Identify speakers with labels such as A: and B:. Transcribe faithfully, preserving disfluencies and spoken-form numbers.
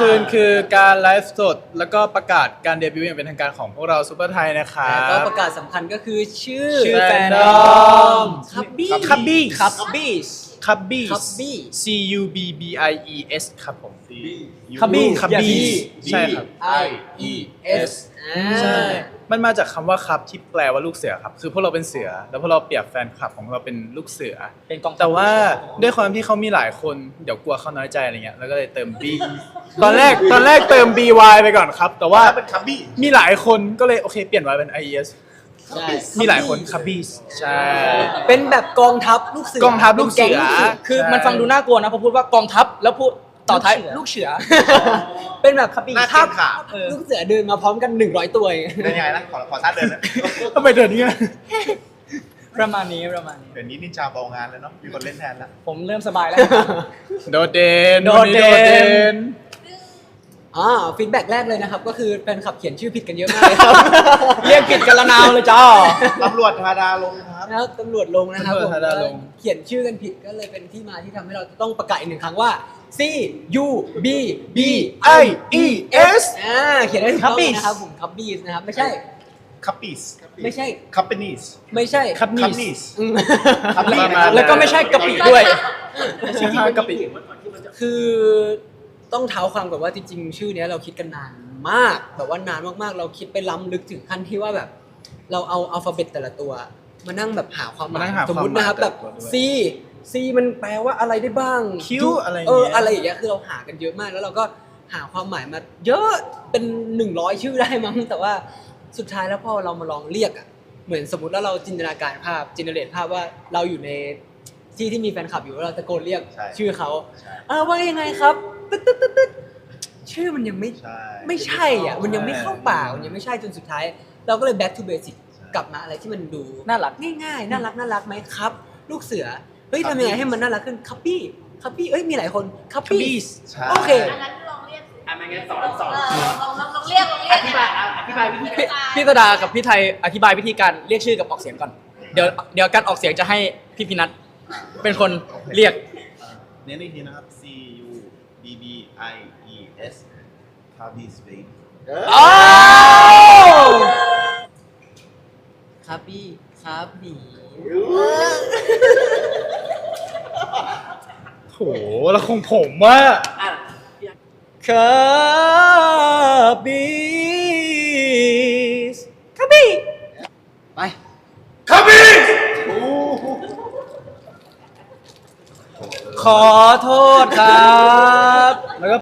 A: คืนคือการไลฟ์สดแล้วก็ประกาศการเดบิวต์อย่างเป็นทางการของพวกเราซูเปอร์ไทยนะครับ
B: แล้วก็ประกาศสำคัญก็คือชื่อ
A: ชื่อแฟนดอม
B: คับบี้
A: คับบี้
B: คับบี้
A: คับบี้
B: คับบี้
A: C U B B I E S ครับผม
C: คับบี้
A: คับบี้ใช่ครับ
B: I E S
A: ใช่ มันมาจากคำว่าครับที่แปลว่าลูกเสือครับ คือพวกเราเป็นเสือ แล้วพวกเราเปรียบแฟนคลับของเราเป็นลูกเสือ
C: เป็นกองทัพ
A: แต่ว่าด้วยความที่เขามีหลายคนเดี๋ยวกลัวเขาน้อยใจอะไรเงี้ย แล้วก็เลยเติม B ตอนแรกตอนแรกเติม B Y ไปก่อนครับ แต่ว่า
D: เป็นคับบี้
A: มีหลายคนก็เลยโอเคเปลี่ยน Y เป็น I E S
B: ใช่
A: มีหลายคนคับบี้ใช่
B: เป็นแบบกองทัพลูกเสือก
A: องทัพลูกเสือ
B: แก๊งลูกเสือ
C: คือมันฟังดูน่ากลัวนะพอพูดว่ากองทัพแล้วพูดต่อท้ายลูกเสือ
B: เป็นแบบ
D: หน้า
B: ทั
D: เทีย
B: พ
D: มขา
B: ลูกเสือเดินมาพร้อมกันหนึ่งร้อยตัวเอง
D: เป็นยังไงนะขอขอท่าเดินนะ
A: ทำไมเดินนี้ย
C: ประมาณนี้ประมาณนี้
D: เดี๋ยวนี้นินจาเบางานแล้วเนาะมีคนเล่นแทนแล้ว
C: ผมเริ่มสบายแล้ว
A: โดดเด่น
C: โดดเด่น
A: วั น
B: อ่าฟีดแบ็กแรกเลยนะครับ ก็คือแฟนคลับเขียนชื่อผิดกันเยอะมากเลยครับ
C: เรียกผิดกันละนาวเลยจ้า
D: ตำรวจธาดาลงครับ
B: แล้วตำรวจลงนะครับ
A: ตำรวจ
B: ผม
A: ธาดาลง
B: เขียนชื่อกันผิดก็เลยเป็นที่มาที่ทำให้เราจะต้องประกาศอีกหนึ่งครั้งว่า C U B B
A: I E S
B: อ่าเขียนได้ถูกต้อง
C: Cubbies
B: นะครับผมคับบี้นะครับไม่ใช่
D: คัปปี้ส
B: ไม่ใช่
D: คัปเปนีส
B: ไม่ใช่
A: คับ
D: คั
A: นี่
D: ปนีส
B: อืม
A: ประมาณนั้น
C: แล้วก็ไม่ใช่กะปิด้วย
A: ชื่อห้ากะปิ
B: คือต้องเท้าความก่อนว่าจริงๆ ชื่อเนี้ยเราคิดกันนานมากแบบว่านานมากๆ เราคิดไปล้ำลึกถึงขั้นที่ว่าแบบ เราเอาอัลฟาเบตแต่ละตัว มานั่งแบบหาความหมาย
A: มานั่งหา
B: สมมตินะครับ
A: ความหมาย
B: แบบ
A: แต่ละตัวด้วย
B: C C มันแปลว่าอะไรได้บ้าง
A: Q อะไรอย่าง
B: เอ
A: เงี้
B: อย อะไรอย่างเงี้ยคือเราหากันเยอะมากแล้วเราก็หาความหมายมา เยอะเป็นหนึ่งร้อยชื่อได้มั้งแต่ว่าสุดท้ายแล้วพอเรามาลองเรียกอ่ะเหมือนสมมติแล้วเราจินตนาการภาพจินเนเรตภาพว่าเราอยู่ในที่ที่มีแฟนคลับอยู่แล้วเราตะโกนเรียก
D: ใช่
B: ชื่อเขา
D: ใช่
B: เออว่ายังไงครับตึ๊ดตึ๊ดตึ๊ดตึ๊ดชื่อมันยังไม่
D: ใช่
B: ไม่ใช่อ่ะมันยังไม่เข้าปากมันยังไม่ใช่จนสุดท้าย เราก็เลย back to basic กลับมาอะไรที่มันดู
C: น่ารัก
B: ง่ายๆน่ารักน่ารักไหมครับ ลูกเสือเฮ้ยทำยังไงให้มันน่ารักขึ้นคัพปี้คัพปี้เอ้ยมีหลายคนคัพปี้
A: Cubbies
D: ใช่
B: โอเค
E: อันนั้นลองเรียกสิ
F: อ่ะไม่งั้นสอนสอน
E: เออลองลองลองเรียกลองเรีย
F: อก ธิบายอ่ะอธิบายวิธี
C: พี่พี่ตดากับพี่ไทยอธิบายวิธีการเรียกชื่อกับออกเสียงก่อน เดี๋ยวเดี๋ยวการออกเสียงจะให้พี่พินัทเป็นคนเรียก
D: เน้นอีกทีนะครับ C U B B I E S คับบี้สเปน
C: อ้าว
B: คัพปี้ครับบี
A: โหแล้วของผมว่า
F: อ่ะ
C: คาบีสคาบี
B: ไป
D: คับบี้
C: ขอโทษครับ
A: แล้วก็